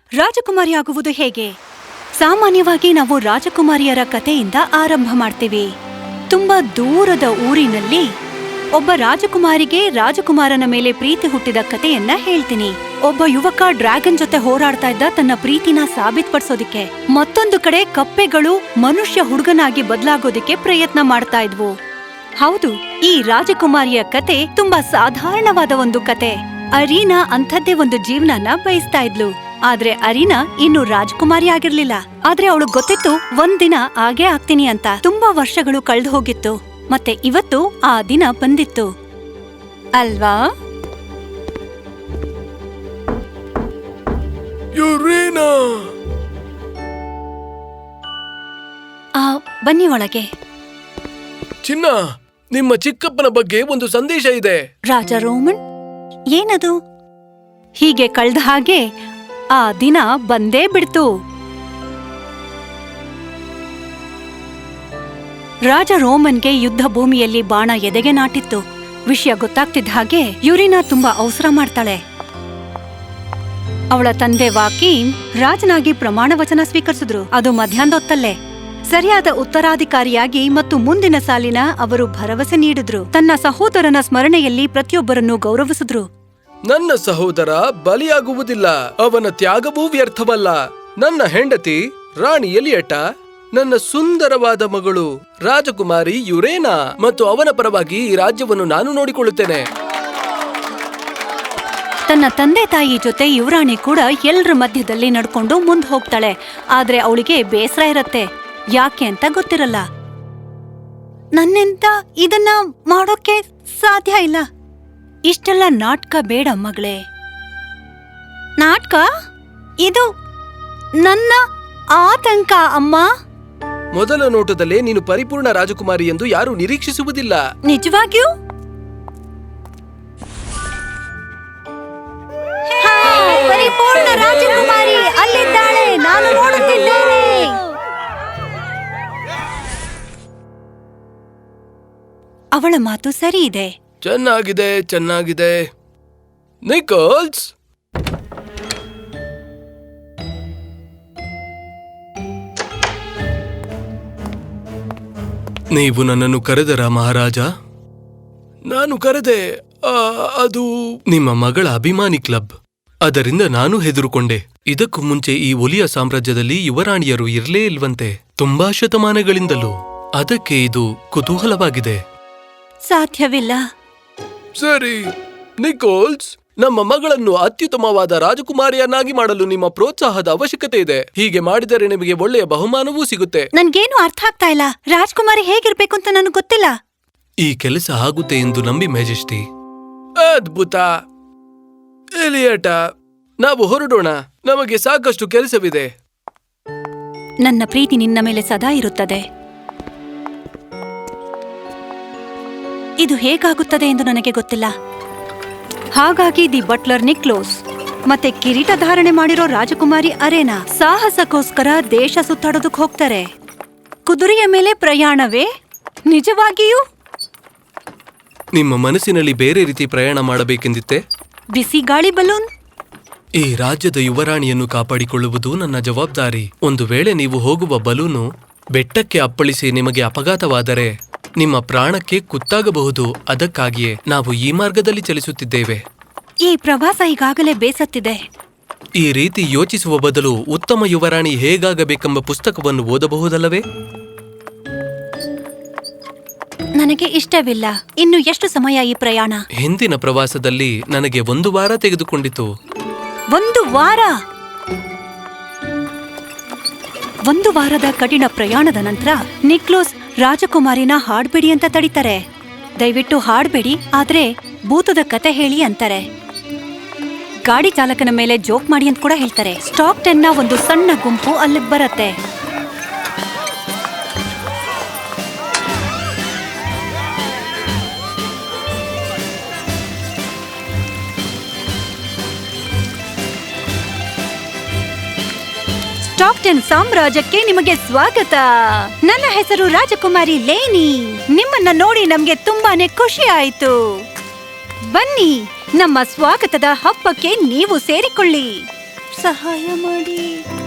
ರಾಜಕುಮಾರಿ ಆಗುವುದು ಹೇಗೆ? ಸಾಮಾನ್ಯವಾಗಿ ನಾವು ರಾಜಕುಮಾರಿಯರ ಕಥೆಯಿಂದ ಆರಂಭ ಮಾಡ್ತೀವಿ. ತುಂಬಾ ದೂರದ ಊರಿನಲ್ಲಿ ಒಬ್ಬ ರಾಜಕುಮಾರಿಗೆ ರಾಜಕುಮಾರನ ಮೇಲೆ ಪ್ರೀತಿ ಹುಟ್ಟಿದ ಕಥೆಯನ್ನ ಹೇಳ್ತೀನಿ. ಒಬ್ಬ ಯುವಕ ಡ್ರ್ಯಾಗನ್ ಜೊತೆ ಹೋರಾಡ್ತಾ ಇದ್ದ ತನ್ನ ಪ್ರೀತಿನ ಸಾಬೀತ್ಪಡಿಸೋದಿಕ್ಕೆ. ಮತ್ತೊಂದು ಕಡೆ ಕಪ್ಪೆಗಳು ಮನುಷ್ಯ ಹುಡುಗನಾಗಿ ಬದಲಾಗೋದಿಕ್ಕೆ ಪ್ರಯತ್ನ ಮಾಡ್ತಾ ಇದ್ವು. ಹೌದು, ಈ ರಾಜಕುಮಾರಿಯ ಕತೆ ತುಂಬಾ ಸಾಧಾರಣವಾದ ಒಂದು ಕತೆ. ಅರೀನಾ ಅಂಥದ್ದೇ ಒಂದು ಜೀವನನ ಬಯಸ್ತಾ ಇದ್ಲು. ಆದ್ರೆ ಅರೀನಾ ಇನ್ನು ರಾಜಕುಮಾರಿ ಆಗಿರ್ಲಿಲ್ಲ. ಆದ್ರೆ ಅವಳು ಗೊತ್ತಿತ್ತು ಒಂದಿನ ಆಗೇ ಆಗ್ತೀನಿ ಅಂತ. ತುಂಬಾ ವರ್ಷಗಳು ಕಳೆದು ಹೋಗಿತ್ತು, ಮತ್ತೆ ಇವತ್ತು ಆ ದಿನ ಬಂದಿತ್ತು ಅಲ್ವಾ? ಬನ್ನಿ ಒಳಗೆ. ಚಿನ್ನ, ನಿಮ್ಮ ಚಿಕ್ಕಪ್ಪನ ಬಗ್ಗೆ ಒಂದು ಸಂದೇಶ ಇದೆ. ರಾಜ ರೋಮನ್, ಏನದು? ಹೀಗೆ ಕಳ್ದ ಹಾಗೆ ಆ ದಿನ ಬಂದೇ ಬಿಡ್ತು. ರಾಜ ರೋಮನ್ಗೆ ಯುದ್ಧ ಭೂಮಿಯಲ್ಲಿ ಬಾಣ ಎದೆಗೆ ನಾಟಿತ್ತು. ವಿಷಯ ಗೊತ್ತಾಗ್ತಿದ್ದ ಹಾಗೆ ಯುರಿನಾ ತುಂಬಾ ಅವಸರ ಮಾಡ್ತಾಳೆ. ಅವಳ ತಂದೆ ವಾಕೀಮ್ ರಾಜನಾಗಿ ಪ್ರಮಾಣ ವಚನ ಸ್ವೀಕರಿಸಿದ್ರು. ಅದು ಮಧ್ಯಾಹ್ನದೊತ್ತಲ್ಲೇ. ಸರಿಯಾದ ಉತ್ತರಾಧಿಕಾರಿಯಾಗಿ ಮತ್ತು ಮುಂದಿನ ಸಾಲಿನ ಅವರು ಭರವಸೆ ನೀಡಿದ್ರು. ತನ್ನ ಸಹೋದರನ ಸ್ಮರಣೆಯಲ್ಲಿ ಪ್ರತಿಯೊಬ್ಬರನ್ನು ಗೌರವಿಸಿದ್ರು. ನನ್ನ ಸಹೋದರ ಬಲಿಯಾಗುವುದಿಲ್ಲ, ಅವನ ತ್ಯಾಗವೂ ವ್ಯರ್ಥವಲ್ಲ. ನನ್ನ ಹೆಂಡತಿ ರಾಣಿ ಎಲಿಯಟ, ನನ್ನ ಸುಂದರವಾದ ಮಗಳು ರಾಜಕುಮಾರಿ ಯುರೇನಾ, ಮತ್ತು ಅವನ ಪರವಾಗಿ ಈ ರಾಜ್ಯವನ್ನು ನಾನು ನೋಡಿಕೊಳ್ಳುತ್ತೇನೆ. ತನ್ನ ತಂದೆ ತಾಯಿ ಜೊತೆ ಯುವರಾಣಿ ಕೂಡ ಎಲ್ಲರ ಮಧ್ಯದಲ್ಲಿ ನಡ್ಕೊಂಡು ಮುಂದ್ ಹೋಗ್ತಾಳೆ. ಆದ್ರೆ ಅವಳಿಗೆ ಬೇಸರ ಇರತ್ತೆ. ಯಾಕೆ ಅಂತ ಗೊತ್ತಿರಲ್ಲ. ನನ್ನಿಂದ ಇದನ್ನ ಮಾಡೋಕೆ ಸಾಧ್ಯ ಇಲ್ಲ. ಇಷ್ಟೆಲ್ಲ ನಾಟಕ ಬೇಡ ಮಗಳೇ. ನಾಟಕ? ಇದು ನನ್ನ ಆತಂಕ ಅಮ್ಮ. ಮೊದಲ ನೋಟದಲ್ಲೇ ನೀನು ಪರಿಪೂರ್ಣ ರಾಜಕುಮಾರಿ ಎಂದು ಯಾರೂ ನಿರೀಕ್ಷಿಸುವುದಿಲ್ಲ. ನಿಜವಾಗಿಯೂ? ಪರಿಪೂರ್ಣ ರಾಜಕುಮಾರಿ ಅಲ್ಲಿದ್ದಾಳೆ, ನಾನು ನೋಡುತ್ತಿದ್ದೇನೆ. ಅವಳ ಮಾತು ಸರಿ ಇದೆ. ಚೆನ್ನಾಗಿದೆ, ಚೆನ್ನಾಗಿದೆ. ನಿಕೋಲ್ಸ್, ನೀವು ನನ್ನನ್ನು ಕರೆದರ ಮಹಾರಾಜ? ನಾನು ಕರೆದೆ. ಅದು ನಿಮ್ಮ ಮಗಳ ಅಭಿಮಾನಿ ಕ್ಲಬ್. ಅದರಿಂದ ನಾನು ಹೆದರುಕೊಂಡೆ. ಇದಕ್ಕೂ ಮುಂಚೆ ಈ ಒಲಿಯ ಸಾಮ್ರಾಜ್ಯದಲ್ಲಿ ಯುವರಾಣಿಯರು ಇರಲೇ ಇಲ್ವಂತೆ, ತುಂಬಾ ಶತಮಾನಗಳಿಂದಲೂ. ಅದಕ್ಕೆ ಇದು ಕುತೂಹಲವಾಗಿದೆ. ಸಾಧ್ಯವಿಲ್ಲ. ಸರಿ ನಿಕೋಲ್ಸ್, ನಮ್ಮ ಮಗಳನ್ನು ಅತ್ಯುತ್ತಮವಾದ ರಾಜಕುಮಾರಿಯನ್ನಾಗಿ ಮಾಡಲು ನಿಮ್ಮ ಪ್ರೋತ್ಸಾಹದ ಅವಶ್ಯಕತೆ ಇದೆ. ಹೀಗೆ ಮಾಡಿದರೆ ನಿಮಗೆ ಒಳ್ಳೆಯ ಬಹುಮಾನವೂ ಸಿಗುತ್ತೆ. ನನ್ಗೇನು ಅರ್ಥ ಆಗ್ತಾ ಇಲ್ಲ. ರಾಜಕುಮಾರಿ ಹೇಗಿರ್ಬೇಕು ಅಂತ ನನಗೆ ಗೊತ್ತಿಲ್ಲ. ಈ ಕೆಲಸ ಆಗುತ್ತೆ ಎಂದು ನಂಬಿ ಮೆಜೆಸ್ಟಿ. ಅದ್ಭುತ. ಎಲಿಯಟ, ನಾವು ಹೊರಡೋಣ. ನಮಗೆ ಸಾಕಷ್ಟು ಕೆಲಸವಿದೆ. ನನ್ನ ಪ್ರೀತಿ ನಿನ್ನ ಮೇಲೆ ಸದಾ ಇರುತ್ತದೆ. ಇದು ಹೇಗಾಗುತ್ತದೆ ಎಂದು ನನಗೆ ಗೊತ್ತಿಲ್ಲ. ಹಾಗಾಗಿ ದಿ ಬಟ್ಲರ್ ನಿಕ್ಲೋಸ್ ಮತ್ತೆ ಕಿರೀಟ ಧಾರಣೆ ಮಾಡಿರೋ ರಾಜಕುಮಾರಿ ಅರೇನಾ ಸಾಹಸಕ್ಕೋಸ್ಕರ ದೇಶ ಸುತ್ತಾಡೋದಕ್ಕೆ ಹೋಗ್ತಾರೆ. ಕುದುರೆಯ ಮೇಲೆ ಪ್ರಯಾಣವೇ? ನಿಜವಾಗಿಯೂ? ನಿಮ್ಮ ಮನಸ್ಸಿನಲ್ಲಿ ಬೇರೆ ರೀತಿ ಪ್ರಯಾಣ ಮಾಡಬೇಕೆಂದಿತ್ತೆ? ಬಿಸಿ ಗಾಳಿ ಬಲೂನ್? ಈ ರಾಜ್ಯದ ಯುವರಾಣಿಯನ್ನು ಕಾಪಾಡಿಕೊಳ್ಳುವುದು ನನ್ನ ಜವಾಬ್ದಾರಿ. ಒಂದು ವೇಳೆ ನೀವು ಹೋಗುವ ಬಲೂನು ಬೆಟ್ಟಕ್ಕೆ ಅಪ್ಪಳಿಸಿ ನಿಮಗೆ ಅಪಘಾತವಾದರೆ ನಿಮ್ಮ ಪ್ರಾಣಕ್ಕೆ ಕುತ್ತಾಗಬಹುದು. ಅದಕ್ಕಾಗಿಯೇ ನಾವು ಈ ಮಾರ್ಗದಲ್ಲಿ ಚಲಿಸುತ್ತಿದ್ದೇವೆ. ಈ ಪ್ರವಾಸ ಈಗಾಗಲೇ ಬೇಸತ್ತಿದೆ. ಈ ರೀತಿ ಯೋಚಿಸುವ ಬದಲು ಉತ್ತಮ ಯುವರಾಣಿ ಹೇಗಾಗಬೇಕೆಂಬ ಪುಸ್ತಕವನ್ನು ಓದಬಹುದಲ್ಲವೇ? ನನಗೆ ಇಷ್ಟವಿಲ್ಲ. ಇನ್ನು ಎಷ್ಟು ಸಮಯ ಈ ಪ್ರಯಾಣ? ಹಿಂದಿನ ಪ್ರವಾಸದಲ್ಲಿ ನನಗೆ 1 ವಾರ ತೆಗೆದುಕೊಂಡಿತು. 1 ವಾರ? 1 ವಾರದ ಕಠಿಣ ಪ್ರಯಾಣದ ನಂತರ ನಿಕ್ಲೋಸ್ ರಾಜಕುಮಾರಿನ ಹಾಡ್ಬೇಡಿ ಅಂತ ತಡಿತಾರೆ. ದಯವಿಟ್ಟು ಹಾಡ್ಬೇಡಿ, ಆದ್ರೆ ಭೂತದ ಕತೆ ಹೇಳಿ ಅಂತಾರೆ. ಗಾಡಿ ಚಾಲಕನ ಮೇಲೆ ಜೋಕ್ ಮಾಡಿ ಅಂತ ಕೂಡ ಹೇಳ್ತಾರೆ. ಸ್ಟಾಕ್ಟನ್ನ ಒಂದು ಸಣ್ಣ ಗುಂಪು ಅಲ್ಲಿಗೆ ಬರತ್ತೆ. ಸ್ಟಾಕ್ಟನ್ ಸಾಮ್ರಾಜ್ಯಕ್ಕೆ ನಿಮಗೆ ಸ್ವಾಗತ. ನನ್ನ ಹೆಸರು ರಾಜಕುಮಾರಿ ಲೇನಿ. ನಿಮ್ಮನ್ನ ನೋಡಿ ನಮ್ಗೆ ತುಂಬಾನೇ ಖುಷಿ ಆಯ್ತು. ಬನ್ನಿ, ನಮ್ಮ ಸ್ವಾಗತದ ಹಬ್ಬಕ್ಕೆ ನೀವು ಸೇರಿಕೊಳ್ಳಿ. ಸಹಾಯ ಮಾಡಿ.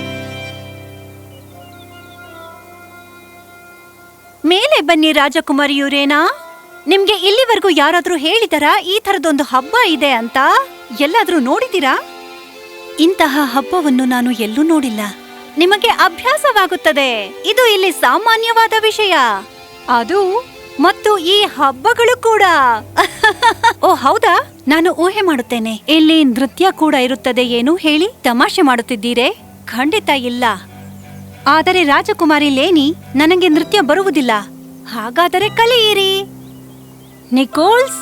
ಮೇಲೆ ಬನ್ನಿ ರಾಜಕುಮಾರಿ ಯುರೇನಾ. ನಿಮ್ಗೆ ಇಲ್ಲಿವರೆಗೂ ಯಾರಾದ್ರೂ ಹೇಳಿದಾರಾ ಈ ತರದೊಂದು ಹಬ್ಬ ಇದೆ ಅಂತ? ಎಲ್ಲಾದ್ರೂ ನೋಡಿದೀರಾ? ಇಂತಹ ಹಬ್ಬವನ್ನು ನಾನು ಎಲ್ಲೂ ನೋಡಿಲ್ಲ. ನಿಮಗೆ ಅಭ್ಯಾಸವಾಗುತ್ತದೆ. ಇದು ಇಲ್ಲಿ ಸಾಮಾನ್ಯವಾದ ವಿಷಯ. ಅದು ಮತ್ತು ಈ ಹಬ್ಬಗಳು ಕೂಡ. ಓ ಹೌದಾ, ನಾನು ಊಹೆ ಮಾಡುತ್ತೇನೆ. ಇಲ್ಲಿ ನೃತ್ಯ ಕೂಡ ಇರುತ್ತದೆ ಏನು ಹೇಳಿ? ತಮಾಷೆ ಮಾಡುತ್ತಿದ್ದೀರೇ? ಖಂಡಿತ ಇಲ್ಲ. ಆದರೆ ರಾಜಕುಮಾರಿ ಲೇನಿ, ನನಗೆ ನೃತ್ಯ ಬರುವುದಿಲ್ಲ. ಹಾಗಾದರೆ ಕಲಿಯಿರಿ. ನಿಕೋಲ್ಸ್,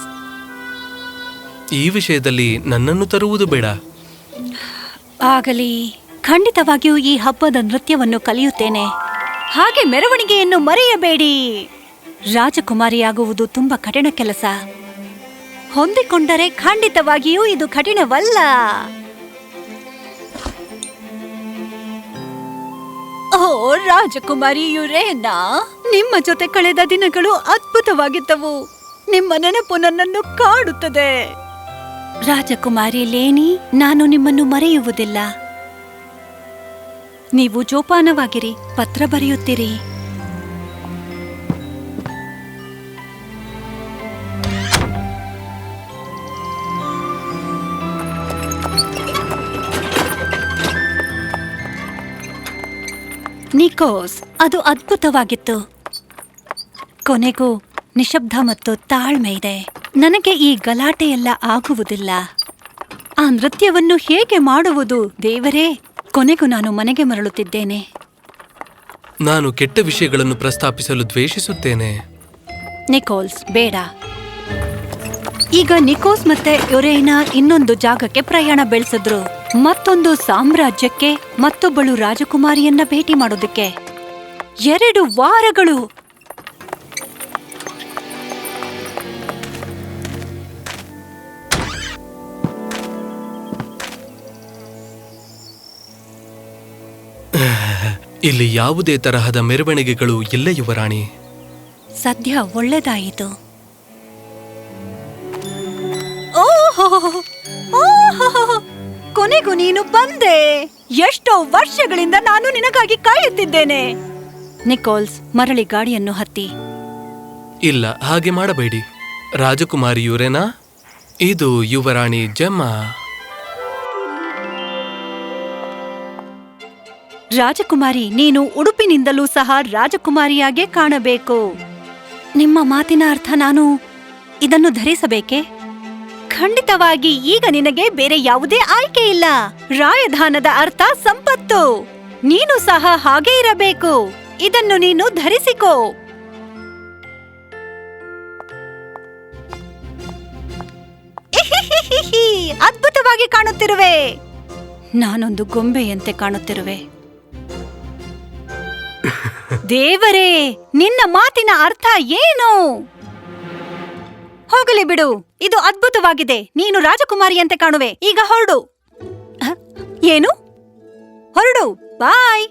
ಈ ವಿಷಯದಲ್ಲಿ ನನ್ನನ್ನು ತರುವುದು ಬೇಡ. ಆಗಲಿ, ಖಂಡಿತವಾಗಿಯೂ ಈ ಹಬ್ಬದ ನೃತ್ಯವನ್ನು ಕಲಿಯುತ್ತೇನೆ. ಹಾಗೆ ಮೆರವಣಿಗೆಯನ್ನು ಮರೆಯಬೇಡಿ. ರಾಜಕುಮಾರಿಯಾಗುವುದು ತುಂಬಾ ಕಠಿಣ ಕೆಲಸ. ಹೊಂದಿಕೊಂಡರೆ ಖಂಡಿತವಾಗಿಯೂ ಇದು ಕಠಿಣವಲ್ಲ. ಓ ರಾಜಕುಮಾರಿ ಯುರೇನಾ, ನಿಮ್ಮ ಜೊತೆ ಕಳೆದ ದಿನಗಳು ಅದ್ಭುತವಾಗಿದ್ದವು. ನಿಮ್ಮ ನೆನಪು ನನ್ನನ್ನು ಕಾಡುತ್ತದೆ. ರಾಜಕುಮಾರಿ ಲೇನಿ, ನಾನು ನಿಮ್ಮನ್ನು ಮರೆಯುವುದಿಲ್ಲ. ನೀವು ಜೋಪಾನವಾಗಿರಿ, ಪತ್ರ ಬರೆಯುತ್ತೀರಿ. ನಿಕೋಸ್, ಅದು ಅದ್ಭುತವಾಗಿತ್ತು. ಕೊನೆಗೂ ನಿಶಬ್ದ ಮತ್ತು ತಾಳ್ಮೆ ಇದೆ. ನನಗೆ ಈ ಗಲಾಟೆಯೆಲ್ಲ ಆಗುವುದಿಲ್ಲ. ಆ ನೃತ್ಯವನ್ನು ಹೇಗೆ ಮಾಡುವುದು ದೇವರೇ? ಕೊನೆಗೂ ನಾನು ಮನೆಗೆ ಮರಳುತ್ತಿದ್ದೇನೆ. ನಾನು ಕೆಟ್ಟ ವಿಷಯಗಳನ್ನು ಪ್ರಸ್ತಾಪಿಸಲು ದ್ವೇಷಿಸುತ್ತೇನೆ. ನಿಕೋಲ್ಸ್, ಬೇಡ. ಈಗ ನಿಕೋಸ್ ಮತ್ತೆ ಯುರೇನಾ ಇನ್ನೊಂದು ಜಾಗಕ್ಕೆ ಪ್ರಯಾಣ ಬೆಳೆಸಿದ್ರು. ಮತ್ತೊಂದು ಸಾಮ್ರಾಜ್ಯಕ್ಕೆ, ಮತ್ತೊಬ್ಬಳು ರಾಜಕುಮಾರಿಯನ್ನ ಭೇಟಿ ಮಾಡೋದಕ್ಕೆ. 2 ವಾರಗಳು. ಇಲ್ಲಿ ಯಾವುದೇ ತರಹದ ಮೆರವಣಿಗೆಗಳು ಇಲ್ಲ ಯುವರಾಣಿ. ಸದ್ಯ ಒಳ್ಳೆದಾಯಿತು. ಓಹೋ, ಕೊನೆಗೂ ನೀನು ಬಂದೆ. ಎಷ್ಟೋ ವರ್ಷಗಳಿಂದ ನಾನು ನಿನಗಾಗಿ ಕಾಯುತ್ತಿದ್ದೇನೆ. ನಿಕೋಲ್ಸ್, ಮರಳಿ ಗಾಡಿಯನ್ನು ಹತ್ತಿ. ಇಲ್ಲ, ಹಾಗೆ ಮಾಡಬೇಡಿ. ರಾಜಕುಮಾರಿ ಯುರೇನಾ, ಇದು ಯುವರಾಣಿ ಜೆಮ್ಮಾ. ರಾಜಕುಮಾರಿ, ನೀನು ಉಡುಪಿನಿಂದಲೂ ಸಹ ರಾಜಕುಮಾರಿಯಾಗೇ ಕಾಣಬೇಕು. ನಿಮ್ಮ ಮಾತಿನ ಅರ್ಥ ನಾನು ಇದನ್ನು ಧರಿಸಬೇಕೆ? ಖಂಡಿತವಾಗಿ ಈಗ ನಿನಗೆ ಬೇರೆ ಯಾವುದೇ ಆಯ್ಕೆ ಇಲ್ಲ. ರಾಯಧಾನದ ಅರ್ಥ ಸಂಪತ್ತು. ನೀನು ಸಹ ಹಾಗೇ ಇರಬೇಕು. ಇದನ್ನು ನೀನು ಧರಿಸಿಕೋ. ಅದ್ಭುತವಾಗಿ ಕಾಣುತ್ತಿರುವೆ. ನಾನೊಂದು ಗೊಂಬೆಯಂತೆ ಕಾಣುತ್ತಿರುವೆ. ದೇವರೇ, ನಿನ್ನ ಮಾತಿನ ಅರ್ಥ ಏನು? ಹೋಗಲಿ ಬಿಡು, ಇದು ಅದ್ಭುತವಾಗಿದೆ. ನೀನು ರಾಜಕುಮಾರಿಯಂತೆ ಕಾಣುವೆ. ಈಗ ಹೊರಡು. ಏನು? ಹೊರಡು. ಬಾಯ್.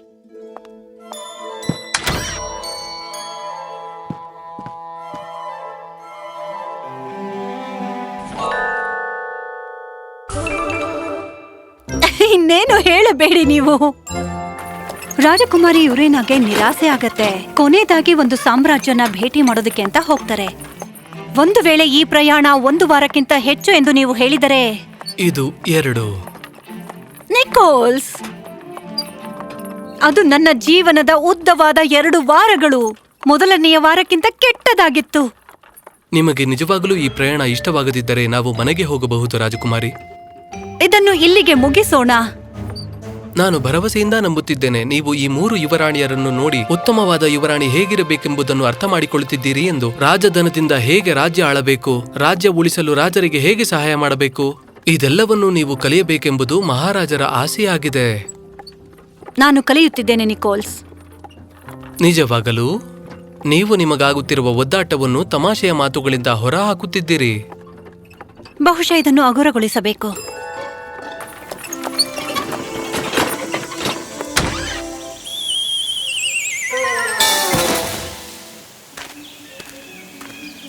ಇನ್ನೇನು ಹೇಳಬೇಡಿ ನೀವು. ರಾಜಕುಮಾರಿ ಯುರೇನಾಗೆ ನಿರಾಸೆ ಆಗತ್ತೆ. ಕೊನೆಯದಾಗಿ ಒಂದು ಸಾಮ್ರಾಜ್ಯನ ಭೇಟಿ ಮಾಡೋದಕ್ಕೆ ಅಂತ ಹೋಗ್ತಾರೆ. ಒಂದು ವೇಳೆ ಈ ಪ್ರಯಾಣ 1 ವಾರಕ್ಕಿಂತ ಹೆಚ್ಚು ಎಂದು ನೀವು ಹೇಳಿದರೆ? ಇದು 2. ನಿಕೋಲ್ಸ್, ಅದು ನನ್ನ ಜೀವನದ ಉದ್ದವಾದ 2 ವಾರಗಳು. ಮೊದಲನೆಯ ವಾರಕ್ಕಿಂತ ಕೆಟ್ಟದಾಗಿತ್ತು. ನಿಮಗೆ ನಿಜವಾಗಲೂ ಈ ಪ್ರಯಾಣ ಇಷ್ಟವಾಗದಿದ್ದರೆ ನಾವು ಮನೆಗೆ ಹೋಗಬಹುದು ರಾಜಕುಮಾರಿ. ಇದನ್ನು ಇಲ್ಲಿಗೆ ಮುಗಿಸೋಣ. ನಾನು ಭರವಸೆಯಿಂದ ನಂಬುತ್ತಿದ್ದೇನೆ ನೀವು ಈ 3 ಯುವರಾಣಿಯರನ್ನು ನೋಡಿ ಉತ್ತಮವಾದ ಯುವರಾಣಿ ಹೇಗಿರಬೇಕೆಂಬುದನ್ನು ಅರ್ಥ ಮಾಡಿಕೊಳ್ಳುತ್ತಿದ್ದೀರಿ ಎಂದು. ರಾಜಧನದಿಂದ ಹೇಗೆ ರಾಜ್ಯ ಆಳಬೇಕು, ರಾಜ್ಯ ಉಳಿಸಲು ರಾಜರಿಗೆ ಹೇಗೆ ಸಹಾಯ ಮಾಡಬೇಕು, ಇದೆಲ್ಲವನ್ನೂ ನೀವು ಕಲಿಯಬೇಕೆಂಬುದು ಮಹಾರಾಜರ ಆಸೆಯಾಗಿದೆ. ನಾನು ಕಲಿಯುತ್ತಿದ್ದೇನೆ ನಿಕೋಲ್ಸ್. ನಿಜವಾಗಲೂ ನೀವು ನಿಮಗಾಗುತ್ತಿರುವ ಒದ್ದಾಟವನ್ನು ತಮಾಷೆಯ ಮಾತುಗಳಿಂದ ಹೊರಹಾಕುತ್ತಿದ್ದೀರಿ. ಬಹುಶಃ ಇದನ್ನು ಹಗುರಗೊಳಿಸಬೇಕು.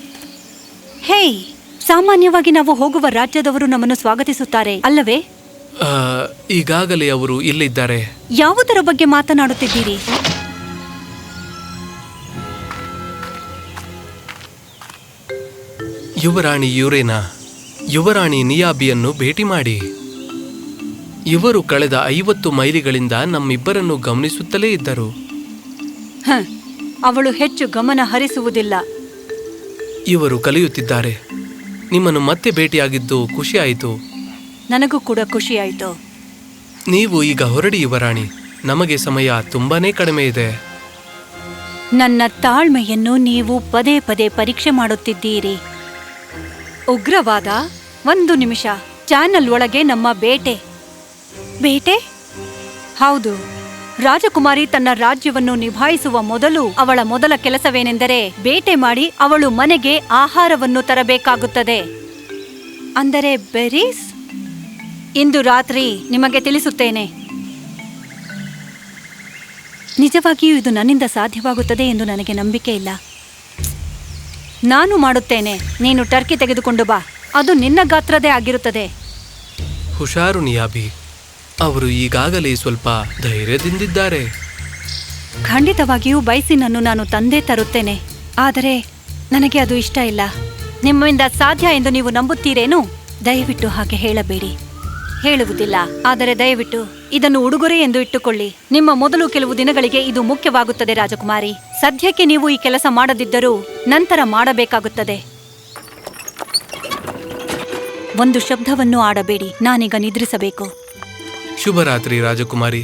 ಹೇಯ್, ಸಾಮಾನ್ಯವಾಗಿ ನಾವು ಹೋಗುವ ರಾಜ್ಯದವರು ನಮ್ಮನ್ನು ಸ್ವಾಗತಿಸುತ್ತಾರೆ ಅಲ್ಲವೇ? ಈಗಾಗಲೇ ಅವರು ಇಲ್ಲಿದ್ದಾರೆ. ಯಾವುದರ ಬಗ್ಗೆ ಮಾತನಾಡುತ್ತಿದ್ದೀರಿ? ಯುವರಾಣಿ ಯುರೇನಾ, ಯುವರಾಣಿ ನಿಯಾಬಿಯನ್ನು ಭೇಟಿ ಮಾಡಿ. ಇವರು ಕಳೆದ 50 ಮೈಲಿಗಳಿಂದ ನಮ್ಮಿಬ್ಬರನ್ನು ಗಮನಿಸುತ್ತಲೇ ಇದ್ದರು. ಅವಳು ಹೆಚ್ಚು ಗಮನ ಹರಿಸುವುದಿಲ್ಲ. ಇವರು ಕಲಿಯುತ್ತಿದ್ದಾರೆ. ನಿಮ್ಮನ್ನು ಮತ್ತೆ ಭೇಟಿಯಾಗಿದ್ದು ಖುಷಿಯಾಯಿತು. ನನಗೂ ಕೂಡ ಖುಷಿಯಾಯಿತು. ನೀವು ಈಗ ಹೊರಡಿ ಯುವರಾಣಿ, ನಮಗೆ ಸಮಯ ತುಂಬಾನೇ ಕಡಿಮೆ ಇದೆ. ನನ್ನ ತಾಳ್ಮೆಯನ್ನು ನೀವು ಪದೇ ಪದೇ ಪರೀಕ್ಷೆ ಮಾಡುತ್ತಿದ್ದೀರಿ. ಉಗ್ರವಾದ. 1 ನಿಮಿಷ. ಚಾನಲ್ ಒಳಗೆ ನಮ್ಮ ಬೇಟೆ. ಬೇಟೆ? ಹೌದು. ರಾಜಕುಮಾರಿ ತನ್ನ ರಾಜ್ಯವನ್ನು ನಿಭಾಯಿಸುವ ಮೊದಲು ಅವಳ ಮೊದಲ ಕೆಲಸವೇನೆಂದರೆ ಬೇಟೆ ಮಾಡಿ ಅವಳು ಮನೆಗೆ ಆಹಾರವನ್ನು ತರಬೇಕಾಗುತ್ತದೆ. ಅಂದರೆ ಬೆರೀಸ್. ಇಂದು ರಾತ್ರಿ ನಿಮಗೆ ತಿಳಿಸುತ್ತೇನೆ. ನಿಜವಾಗಿಯೂ ಇದು ನನ್ನಿಂದ ಸಾಧ್ಯವಾಗುತ್ತದೆ ಎಂದು ನನಗೆ ನಂಬಿಕೆ ಇಲ್ಲ. ನಾನು ಮಾಡುತ್ತೇನೆ. ನೀನು ಟರ್ಕಿ ತೆಗೆದುಕೊಂಡು ಬಾ. ಅದು ನಿನ್ನ ಗಾತ್ರದೇ ಆಗಿರುತ್ತದೆ. ಹುಷಾರು ನಿಯಾಬಿ, ಅವರು ಈಗಾಗಲೇ ಸ್ವಲ್ಪ ಧೈರ್ಯದಿಂದಿದ್ದಾರೆ. ಖಂಡಿತವಾಗಿಯೂ ಬೈಸಿನನ್ನು ನಾನು ತಂದೆ ತರುತ್ತೇನೆ. ಆದರೆ ನನಗೆ ಅದು ಇಷ್ಟ ಇಲ್ಲ. ನಿಮ್ಮಿಂದ ಸಾಧ್ಯ ಎಂದು ನೀವು ನಂಬುತ್ತೀರೇನು? ದಯವಿಟ್ಟು ಹಾಗೆ ಹೇಳಬೇಡಿ. ಹೇಳುವುದಿಲ್ಲ. ಆದರೆ ದಯವಿಟ್ಟು ಇದನ್ನು ಉಡುಗೊರೆ ಎಂದು ಇಟ್ಟುಕೊಳ್ಳಿ. ನಿಮ್ಮ ಮೊದಲು ಕೆಲವು ದಿನಗಳಿಗೆ ಇದು ಮುಖ್ಯವಾಗುತ್ತದೆ ರಾಜಕುಮಾರಿ. ಸದ್ಯಕ್ಕೆ ನೀವು ಈ ಕೆಲಸ ಮಾಡದಿದ್ದರೂ ನಂತರ ಮಾಡಬೇಕಾಗುತ್ತದೆ. ಒಂದು ಶಬ್ದವನ್ನು ಆಡಬೇಡಿ. ನಾನೀಗ ನಿದ್ರಿಸಬೇಕು. ಶುಭರಾತ್ರಿ ರಾಜಕುಮಾರಿ.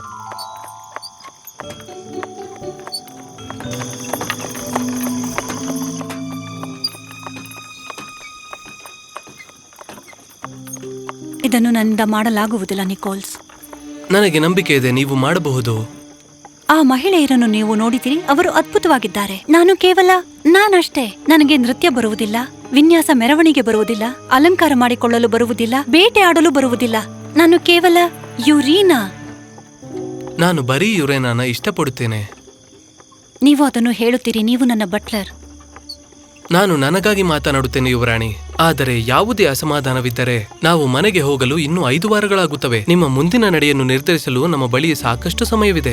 ಇದನ್ನು ನನ್ನಿಂದ ಮಾಡಲಾಗುವುದಿಲ್ಲ ನಿಕೋಲ್ಸ್. ನನಗೆ ನಂಬಿಕೆ ಇದೆ, ನೀವು ಮಾಡಬಹುದು. ಆ ಮಹಿಳೆಯರನ್ನು ನೀವು ನೋಡಿದಿರಿ. ಅವರು ಅದ್ಭುತವಾಗಿದ್ದಾರೆ. ನಾನು ಕೇವಲ ನಾನಷ್ಟೇ. ನನಗೆ ನೃತ್ಯ ಬರುವುದಿಲ್ಲ, ವಿನ್ಯಾಸ ಮೆರವಣಿಗೆ ಬರುವುದಿಲ್ಲ, ಅಲಂಕಾರ ಮಾಡಿಕೊಳ್ಳಲು ಬರುವುದಿಲ್ಲ, ಬೇಟೆ ಆಡಲು ಬರುವುದಿಲ್ಲ. ನಾನು ಕೇವಲ ಯುರೀನಾ. ನಾನು ಬರೀ ಯುರೇನಾನ ಇಷ್ಟಪಡುತ್ತೇನೆ. ನೀವು ಅದನ್ನು ಹೇಳುತ್ತೀರಿ. ನೀವು ನನ್ನ ಬಟ್ಲರ್. ನಾನು ನನಗಾಗಿ ಮಾತನಾಡುತ್ತೇನೆ ಯುವರಾಣಿ. ಆದರೆ ಯಾವುದೇ ಅಸಮಾಧಾನವಿದ್ದರೆ ನಾವು ಮನೆಗೆ ಹೋಗಲು ಇನ್ನೂ 5 ವಾರಗಳಾಗುತ್ತವೆ. ನಿಮ್ಮ ಮುಂದಿನ ನಡೆಯನ್ನು ನಿರ್ಧರಿಸಲು ನಮ್ಮ ಬಳಿ ಸಾಕಷ್ಟು ಸಮಯವಿದೆ.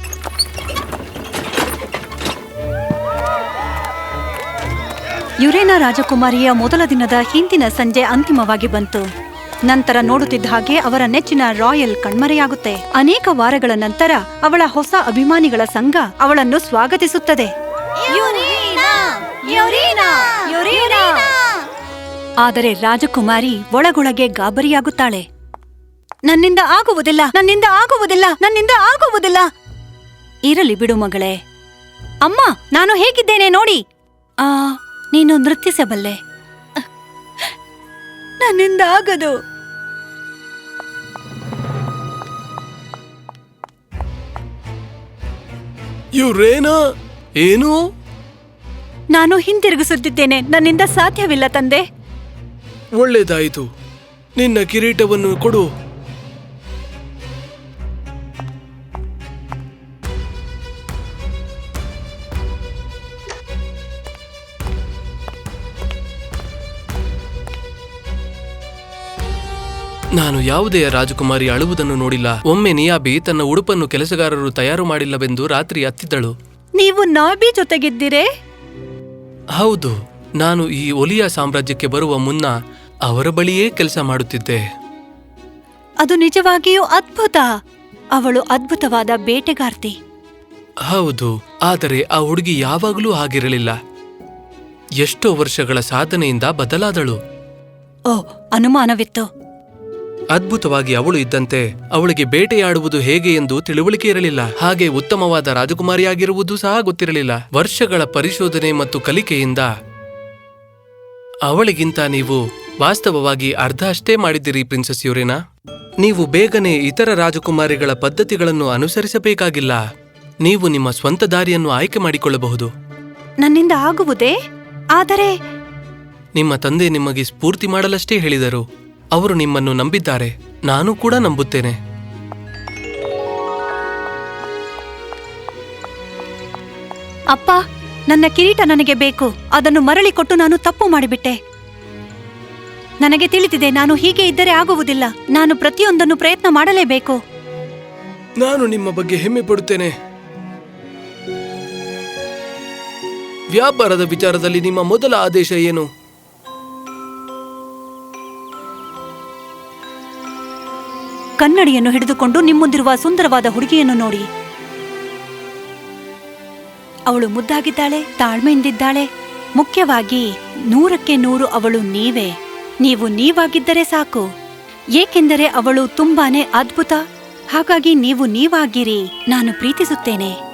ಯುರೇನಾ ರಾಜಕುಮಾರಿಯ ಮೊದಲ ದಿನದ ಹಿಂದಿನ ಸಂಜೆ ಅಂತಿಮವಾಗಿ ಬಂತು. ನಂತರ ನೋಡುತ್ತಿದ್ದ ಹಾಗೆ ಅವರ ನೆಚ್ಚಿನ ರಾಯಲ್ ಕಣ್ಮರೆಯಾಗುತ್ತೆ. ಅನೇಕ ವಾರಗಳ ನಂತರ ಅವಳ ಹೊಸ ಅಭಿಮಾನಿಗಳ ಸಂಘ ಅವಳನ್ನು ಸ್ವಾಗತಿಸುತ್ತದೆ. ಆದರೆ ರಾಜಕುಮಾರಿ ಒಳಗೊಳಗೆ ಗಾಬರಿಯಾಗುತ್ತಾಳೆ. ನನ್ನಿಂದ ಆಗುವುದಿಲ್ಲ, ನನ್ನಿಂದ ಆಗುವುದಿಲ್ಲ, ನನ್ನಿಂದ ಆಗುವುದಿಲ್ಲ. ಇರಲಿ ಬಿಡು ಮಗಳೇ. ಅಮ್ಮ, ನಾನು ಹೇಗಿದ್ದೇನೆ ನೋಡಿ. ನೀನು ನೃತ್ಯಿಸಬಲ್ಲೆ. ನನ್ನಿಂದ ಆಗದು. ಯುರೇನಾ, ಏನು? ನಾನು ಹಿಂತಿರುಗಿಸುತ್ತಿದ್ದೇನೆ. ನನ್ನಿಂದ ಸಾಧ್ಯವಿಲ್ಲ ತಂದೆ. ಒಳ್ಳೆದಾಯಿತು. ನಿನ್ನ ಕಿರೀಟವನ್ನು ಕೊಡು. ನಾನು ಯಾವುದೇ ರಾಜಕುಮಾರಿ ಅಳುವುದನ್ನು ನೋಡಿಲ್ಲ. ಒಮ್ಮೆ ನಿಯಾಬಿ ತನ್ನ ಉಡುಪನ್ನು ಕೆಲಸಗಾರರು ತಯಾರು ಮಾಡಿಲ್ಲವೆಂದು ರಾತ್ರಿ ಅತ್ತಿದ್ದಳು. ನೀವು ನಾಬಿ ಜೊತೆಗಿದ್ದೀರೇ? ಹೌದು. ನಾನು ಈ ಒಲಿಯಾ ಸಾಮ್ರಾಜ್ಯಕ್ಕೆ ಬರುವ ಮುನ್ನ ಅವರ ಬಳಿಯೇ ಕೆಲಸ ಮಾಡುತ್ತಿದ್ದೆ. ಅದು ನಿಜವಾಗಿಯೂ ಅದ್ಭುತ. ಅವಳು ಅದ್ಭುತವಾದ ಬೇಟೆಗಾರ್ತಿ. ಹೌದು, ಆದರೆ ಆ ಹುಡುಗಿ ಯಾವಾಗಲೂ ಆಗಿರಲಿಲ್ಲ. ಎಷ್ಟೋ ವರ್ಷಗಳ ಸಾಧನೆಯಿಂದ ಬದಲಾದಳು. ಅನುಮಾನವಿತ್ತು. ಅದ್ಭುತವಾಗಿ ಅವಳು ಇದ್ದಂತೆ ಅವಳಿಗೆ ಬೇಟೆಯಾಡುವುದು ಹೇಗೆ ಎಂದು ತಿಳುವಳಿಕೆ ಇರಲಿಲ್ಲ. ಹಾಗೆ ಉತ್ತಮವಾದ ರಾಜಕುಮಾರಿಯಾಗಿರುವುದು ಸಹ ಗೊತ್ತಿರಲಿಲ್ಲ. ವರ್ಷಗಳ ಪರಿಶೋಧನೆ ಮತ್ತು ಕಲಿಕೆಯಿಂದ ಅವಳಿಗಿಂತ ನೀವು ವಾಸ್ತವವಾಗಿ ಅರ್ಧ ಅಷ್ಟೇ ಮಾಡಿದ್ದೀರಿ ಪ್ರಿನ್ಸೆಸ್ ಯುರೇನಾ. ನೀವು ಬೇಗನೆ ಇತರ ರಾಜಕುಮಾರಿಗಳ ಪದ್ಧತಿಗಳನ್ನು ಅನುಸರಿಸಬೇಕಾಗಿಲ್ಲ. ನೀವು ನಿಮ್ಮ ಸ್ವಂತ ದಾರಿಯನ್ನು ಆಯ್ಕೆ ಮಾಡಿಕೊಳ್ಳಬಹುದು. ನನ್ನಿಂದ ಆಗುವುದೇ? ಆದರೆ ನಿಮ್ಮ ತಂದೆ ನಿಮಗೆ ಸ್ಫೂರ್ತಿ ಮಾಡಲಷ್ಟೇ ಹೇಳಿದರು. ಅವರು ನಿಮ್ಮನ್ನು ನಂಬಿದ್ದಾರೆ. ನಾನು ಕೂಡ ನಂಬುತ್ತೇನೆ. ಅಪ್ಪ, ನನ್ನ ಕಿರೀಟ ನನಗೆ ಬೇಕು. ಅದನ್ನು ಮರಳಿ ಕೊಟ್ಟು ನಾನು ತಪ್ಪು ಮಾಡಿಬಿಟ್ಟೆ. ನನಗೆ ತಿಳಿದಿದೆ, ನಾನು ಹೀಗೆ ಇದ್ದರೆ ಆಗುವುದಿಲ್ಲ. ನಾನು ಪ್ರತಿಯೊಂದನ್ನು ಪ್ರಯತ್ನ ಮಾಡಲೇಬೇಕು. ನಾನು ನಿಮ್ಮ ಬಗ್ಗೆ ಹೆಮ್ಮೆ ಪಡುತ್ತೇನೆ. ವ್ಯಾಪಾರದ ವಿಚಾರದಲ್ಲಿ ನಿಮ್ಮ ಮೊದಲ ಆದೇಶ ಏನು? ಕನ್ನಡಿಯನ್ನು ಹಿಡಿದುಕೊಂಡು ನಿಮ್ಮುಂದಿರುವ ಸುಂದರವಾದ ಹುಡುಗಿಯನ್ನು ನೋಡಿ. ಅವಳು ಮುದ್ದಾಗಿದ್ದಾಳೆ, ತಾಳ್ಮೆಯಿಂದಿದ್ದಾಳೆ. ಮುಖ್ಯವಾಗಿ 100ಕ್ಕೆ 100 ಅವಳು ನೀವೇ. ನೀವು ನೀವಾಗಿದ್ದರೆ ಸಾಕು, ಏಕೆಂದರೆ ಅವಳು ತುಂಬಾನೇ ಅದ್ಭುತ. ಹಾಗಾಗಿ ನೀವು ನೀವಾಗಿರಿ. ನಾನು ಪ್ರೀತಿಸುತ್ತೇನೆ.